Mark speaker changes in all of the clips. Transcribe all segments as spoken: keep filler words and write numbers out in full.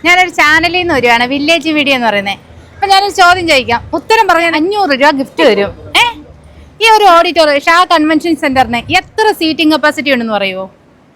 Speaker 1: ഞാനൊരു ചാനലിൽ നിന്ന് വരുവാണ്, വില്ലേജ് വീഡിയോ എന്ന് പറയുന്നത്. അപ്പൊ ഞാനൊരു ചോദ്യം ചോദിക്കാം, ഉത്തരം പറഞ്ഞാൽ അഞ്ഞൂറ് രൂപ ഗിഫ്റ്റ് വരും. ഏ ഈ ഒരു ഓഡിറ്റോറിയം ഷാ കൺവെൻഷൻ സെന്ററിന് എത്ര സീറ്റിംഗ് കപ്പാസിറ്റി ഉണ്ടെന്ന് പറയുമോ?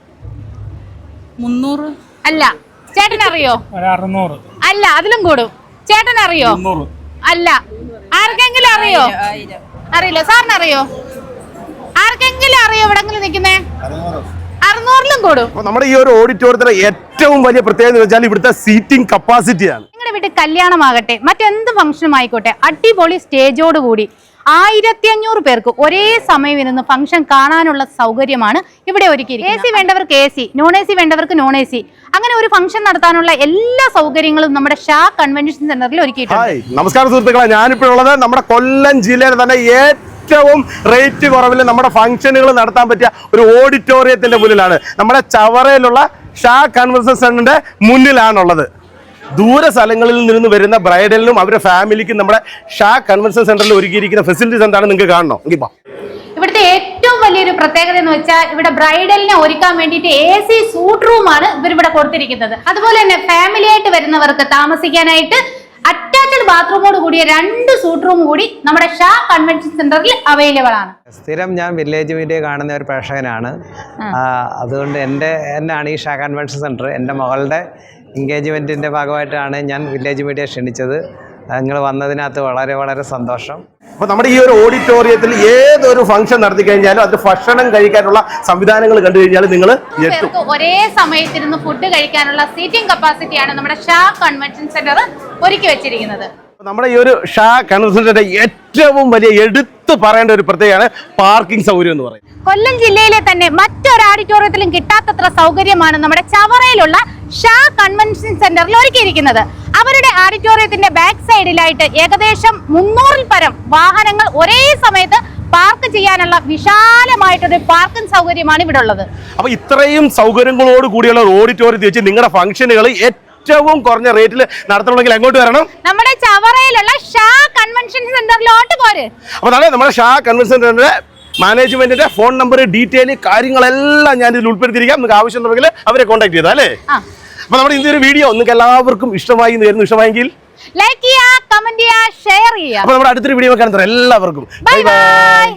Speaker 2: മുന്നൂറ്
Speaker 1: അല്ല. ചേട്ടൻ അറിയോ?
Speaker 3: അറുന്നൂറ്
Speaker 1: അല്ല, അതിലും കൂടും. ചേട്ടൻ അറിയോ? അല്ല. ആർക്കെങ്കിലും അറിയോ? അറിയില്ല. സാറിന് അറിയോ? ആർക്കെങ്കിലും അറിയോ? എവിടെങ്കിലും നിൽക്കുന്നേ? അറുന്നൂറിലും കൂടും.
Speaker 4: നമ്മുടെ ഈ ഒരു ഓഡിറ്റോറിയത്തിലെ ഏറ്റവും വലിയ പ്രത്യേകത എന്ന് വെച്ചാൽ ഇവിടുത്തെ സീറ്റിംഗ് കപ്പാസിറ്റിയാണ്.
Speaker 1: നിങ്ങളുടെ വീട്ടിൽ കല്യാണമാകട്ടെ, മറ്റെന്ത് ഫംഗ്ഷനും ആയിക്കോട്ടെ, അടിപൊളി സ്റ്റേജോട് കൂടി ആയിരത്തി അഞ്ഞൂറ് പേർക്ക് ഒരേ സമയം ഇരുന്ന് ഫംഗ്ഷൻ കാണാനുള്ള സൗകര്യമാണ് ഇവിടെ ഒരുക്കിയിരിക്കുന്നത്. എ സി വേണ്ടവർക്ക് A C, non A C വേണ്ടവർക്ക് നോൺ എ സി, അങ്ങനെ ഒരു ഫംഗ്ഷൻ നടത്താനുള്ള എല്ലാ സൗകര്യങ്ങളും നമ്മുടെ ഷാ കൺവെൻഷൻ സെന്ററിൽ ഒരുക്കിയിട്ടുണ്ട്.
Speaker 4: നമസ്കാരം സുഹൃത്തുക്കളെ, ഞാനിപ്പോഴുള്ളത് നമ്മുടെ കൊല്ലം ജില്ലയിലെ തന്നെ ഏറ്റവും റേറ്റ് കുറവിൽ നമ്മുടെ ഫംഗ്ഷനുകൾ നടത്താൻ പറ്റിയ ഒരു ഓഡിറ്റോറിയത്തിന്റെ മുന്നിലാണ്. നമ്മുടെ ചവറയിലുള്ള ഷാ കൺവെൻഷൻ സെന്ററിന്റെ മുന്നിലാണുള്ളത്. ദൂര സ്ഥലങ്ങളിൽ നിന്ന് വരുന്ന ബ്രൈഡലിനും അവരുടെ ഫാമിലിക്കും നമ്മുടെ ഷാ കൺവെൻഷൻ സെന്ററിൽ ഒരുക്കിയിരിക്കുന്ന ഫെസിലിറ്റീസ് എന്താണെന്ന് നിങ്ങൾക്ക് കാണണോ?
Speaker 1: ഇവിടുത്തെ ഏറ്റവും വലിയൊരു പ്രത്യേകത എന്ന് വെച്ചാൽ ഇവിടെ ബ്രൈഡലിനെ ഒരുക്കാൻ വേണ്ടിയിട്ട് എ സി സൂട്ട് റൂമാണ് ഇവരിവിടെ കൊടുത്തിരിക്കുന്നത്. അതുപോലെ തന്നെ ഫാമിലി ആയിട്ട് വരുന്നവർക്ക് താമസിക്കാനായിട്ട് അറ്റാച്ച്ഡ് ബാത്റൂമോട് കൂടിയ രണ്ട് സൂട്ട് റൂം കൂടി നമ്മുടെ ഷാ കൺവെൻഷൻ സെന്ററിൽ അവൈലബിൾ ആണ്.
Speaker 5: സ്ഥിരം ഞാൻ വില്ലേജ് വീഡിയോ കാണുന്ന ഒരു പ്രേക്ഷകനാണ്. അതുകൊണ്ട് എൻ്റെ എന്നാണ് ഈ ഷാ കൺവെൻഷൻ സെൻറ്റർ എൻ്റെ മകളുടെ എൻഗേജ്മെൻറ്റിൻ്റെ ഭാഗമായിട്ടാണ് ഞാൻ വില്ലേജ് മീഡിയ ക്ഷണിച്ചത്. നിങ്ങൾ വന്നതിനകത്ത് വളരെ വളരെ സന്തോഷം.
Speaker 4: അപ്പോൾ നമ്മുടെ ഈ ഒരു ഓഡിറ്റോറിയത്തിൽ ഏതൊരു ഫംഗ്ഷൻ നടത്തി കഴിഞ്ഞാലും അത് ഭക്ഷണം കഴിക്കാനുള്ള സംവിധാനങ്ങൾ കണ്ടു കഴിഞ്ഞാൽ നിങ്ങൾ
Speaker 1: ഒരേ സമയത്തിരുന്ന് ഫുഡ് കഴിക്കാനുള്ള സീറ്റിംഗ് കപ്പാസിറ്റിയാണ് നമ്മുടെ ഷാ കൺവെൻഷൻ സെന്റർ ഒരുക്കി വെച്ചിരിക്കുന്നത്.
Speaker 4: നമ്മുടെ ഈ ഒരു ഷാ കൺവെൻഷൻ സെന്റർ ഏറ്റവും വലിയ എടുത്തു പറയേണ്ട ഒരു പ്രത്യേകമാണ് പാർക്കിംഗ് സൗകര്യം എന്ന് പറയുന്നത്.
Speaker 1: കൊല്ലം ജില്ലയിലെ തന്നെ മറ്റൊരു ഓഡിറ്റോറിയത്തിലും കിട്ടാത്തത്ര സൗകര്യമാണ് നമ്മുടെ ചവറയിലുള്ള ഷാ കൺവെൻഷൻ സെന്ററിൽ ഒരുക്കിയിരിക്കുന്നത്. അവരുടെ ഓഡിറ്റോറിയത്തിന്റെ ബാക്ക് സൈഡിലായിട്ട് ഏകദേശം മുന്നൂറിൽ പരം വാഹനങ്ങൾ ഒരേ സമയത്ത് പാർക്ക് ചെയ്യാനുള്ള വിശാലമായിട്ടൊരു പാർക്കിംഗ് സൗകര്യമാണ് ഇവിടെ ഉള്ളത്.
Speaker 4: അപ്പൊ ഇത്രയും സൗകര്യങ്ങളോട് കൂടിയുള്ള ഓഡിറ്റോറിയത്തിൽ വെച്ച് നിങ്ങളുടെ ഫംഗ്ഷനുകൾ ഏറ്റവും കുറഞ്ഞ റേറ്റിൽ നടത്തണമെങ്കിൽ എങ്ങോട്ട് വരണം?
Speaker 1: നമ്മുടെ ചവറയിലുള്ള ഷാ കൺവെൻഷൻ സെന്ററിലോട്ട് പോര്.
Speaker 4: അപ്പൊ അതാണ് നമ്മുടെ ഷാ കൺവെൻഷൻ സെന്ററിന്റെ മാനേജ്മെന്റിന്റെ ഫോൺ നമ്പർ, ഡീറ്റെയിൽ കാര്യങ്ങളെല്ലാം ഞാൻ ഇതിൽ ഉൾപ്പെടുത്തിയിരിക്കാം. നിങ്ങൾക്ക് ആവശ്യമുണ്ടെങ്കിൽ അവരെ കോൺടാക്ട് ചെയ്താൽ അല്ലേ? അപ്പൊ നമ്മുടെ ഇന്നത്തെ ഒരു വീഡിയോ നിങ്ങൾക്ക് എല്ലാവർക്കും ഇഷ്ടമായി എന്ന് ഇഷ്ടമായെങ്കിൽ
Speaker 1: ലൈക്ക് ചെയ്യുക, കമന്റ് ചെയ്യുക, ഷെയർ ചെയ്യുക.
Speaker 4: അപ്പൊ നമ്മുടെ അടുത്തൊരു വീഡിയോ കാണാൻ എല്ലാവർക്കും ബൈ ബൈ.